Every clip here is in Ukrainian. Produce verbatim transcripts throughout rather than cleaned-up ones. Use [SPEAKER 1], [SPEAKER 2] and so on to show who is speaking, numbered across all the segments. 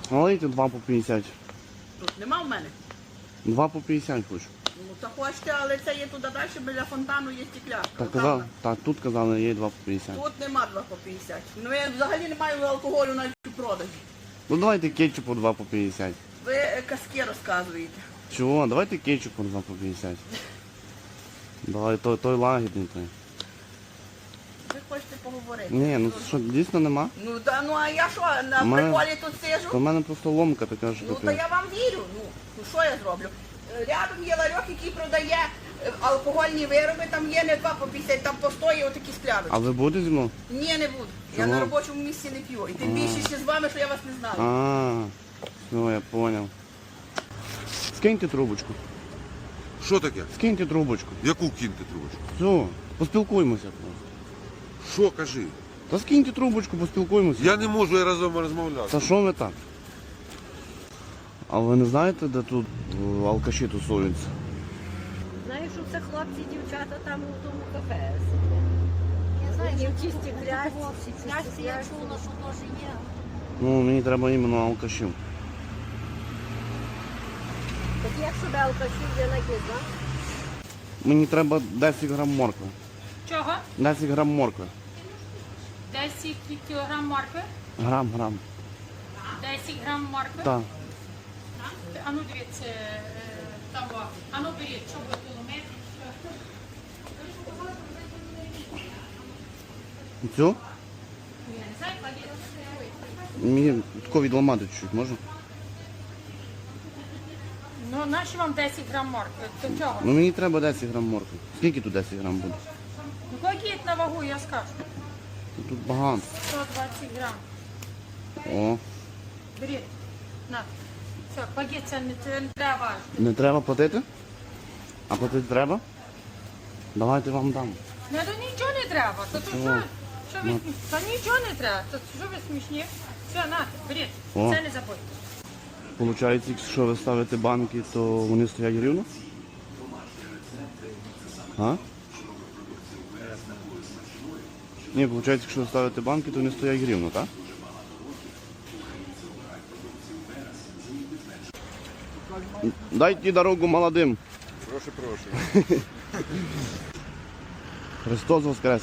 [SPEAKER 1] Налийте два по п'ятдесят.
[SPEAKER 2] Тут нема в мене.
[SPEAKER 1] Два по п'ятдесят хочу.
[SPEAKER 2] Ну так хочете, але це є туди далі, біля фонтану є стекляшка.
[SPEAKER 1] Так,
[SPEAKER 2] Там
[SPEAKER 1] казали, так, тут казали, є два по п'ятдесят.
[SPEAKER 2] Тут нема два по п'ятдесят. Ну я взагалі не маю алкоголю навіть у продажі.
[SPEAKER 1] Ну давайте кетчупу два по п'ятдесят.
[SPEAKER 2] Ви е, казки розказуєте.
[SPEAKER 1] Чого? Давайте кетчупу два по п'ятдесят. Давай, той, той лагідний той.
[SPEAKER 2] Ви хочете поговорити?
[SPEAKER 1] Ні, ну що, дійсно нема?
[SPEAKER 2] Ну та ну а я що, на
[SPEAKER 1] Мене-
[SPEAKER 2] приколі тут сижу?
[SPEAKER 1] То в мене просто ломка така, що
[SPEAKER 2] Ну то
[SPEAKER 1] таке.
[SPEAKER 2] я вам вірю. Ну, ну що я зроблю? Е, Рядом є ларьок, який продає е, алкогольні вироби, там є не два по п'ятдесят, там по сто є отакі скляночки.
[SPEAKER 1] А ви будете зі мною?
[SPEAKER 2] Ні, не буду. Я
[SPEAKER 1] Чому?
[SPEAKER 2] на робочому місці не п'ю. І тим більше ще з вами, що я вас не знаю.
[SPEAKER 1] А, все, я понял. Скиньте трубочку.
[SPEAKER 3] Що таке?
[SPEAKER 1] Скиньте трубочку.
[SPEAKER 3] Яку киньте трубочку?
[SPEAKER 1] Все, поспілкуємося просто.
[SPEAKER 3] Що кажи?
[SPEAKER 1] Та скиньте трубочку, поспілкуємося.
[SPEAKER 3] Я не можу я разом розмовляти.
[SPEAKER 1] Та що ви так? А ви не знаєте, де тут е, алкаші тусуються?
[SPEAKER 4] Знаю, що це хлопці, дівчата там у тому кафе сидять.
[SPEAKER 5] Я знаю,
[SPEAKER 4] Вони
[SPEAKER 5] що
[SPEAKER 4] в чисті
[SPEAKER 5] тут
[SPEAKER 4] клясці,
[SPEAKER 5] хлопці,
[SPEAKER 4] чисті
[SPEAKER 5] клясці я
[SPEAKER 4] клясці.
[SPEAKER 5] чула, що теж є.
[SPEAKER 1] Ну, мені треба іменно алкашів.
[SPEAKER 4] Так як себе алкашів я навіть не знаю.
[SPEAKER 1] Мені треба десять грам моркви.
[SPEAKER 6] Чого?
[SPEAKER 1] десять грам моркви.
[SPEAKER 6] десять кілограм моркви?
[SPEAKER 1] Грам, грам.
[SPEAKER 6] десять грам моркви?
[SPEAKER 1] Так.
[SPEAKER 6] А ну дивіться, е, того. А ну беріть, що ви кілометр.
[SPEAKER 1] Цю?
[SPEAKER 6] Я не знаю, кладіть.
[SPEAKER 1] Мені тако відламати чуть-чуть, можна?
[SPEAKER 6] Ну, наші вам десять грам моркви. До чого?
[SPEAKER 1] Ну мені треба десять грам моркви. Скільки тут десять грам буде?
[SPEAKER 6] Ну, кладіть на вагу, я скажу.
[SPEAKER 1] Тут багато.
[SPEAKER 6] сто двадцять грам.
[SPEAKER 1] О,
[SPEAKER 6] Беріть. На. Все, кладіть, це не, це не треба важити.
[SPEAKER 1] не треба платити? А платити треба? Давайте вам дам.
[SPEAKER 6] Не, то нічого не треба. То, то,
[SPEAKER 1] Чого?
[SPEAKER 6] що, що ви,
[SPEAKER 1] Ну.
[SPEAKER 6] смі- то нічого не треба. То, що ви смішні? Все, на, беріть.
[SPEAKER 1] О.
[SPEAKER 6] Це не забудьте.
[SPEAKER 1] Получається, якщо ви ставите банки, то вони стоять рівно? А? Ні, виходить, якщо ви ставите банки, то вони стоять рівно, так? Дайте дорогу молодим.
[SPEAKER 3] Прошу, прошу.
[SPEAKER 1] Христос воскрес.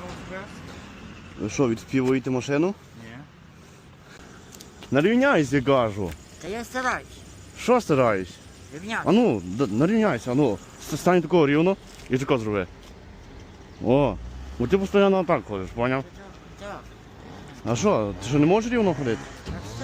[SPEAKER 1] Ви що, відспівуєте машину?
[SPEAKER 7] Ні.
[SPEAKER 1] Нарівняйся, кажу.
[SPEAKER 7] Та я стараюсь.
[SPEAKER 1] Що стараюсь?
[SPEAKER 7] Рівняти.
[SPEAKER 1] А ну, д- нарівняйся, а ну. С- Стань такого рівно і тако зроби. О, бо ти постійно так ходиш, поняв?
[SPEAKER 7] Так.
[SPEAKER 1] А що, ти що не можеш рівно ходити?
[SPEAKER 7] Так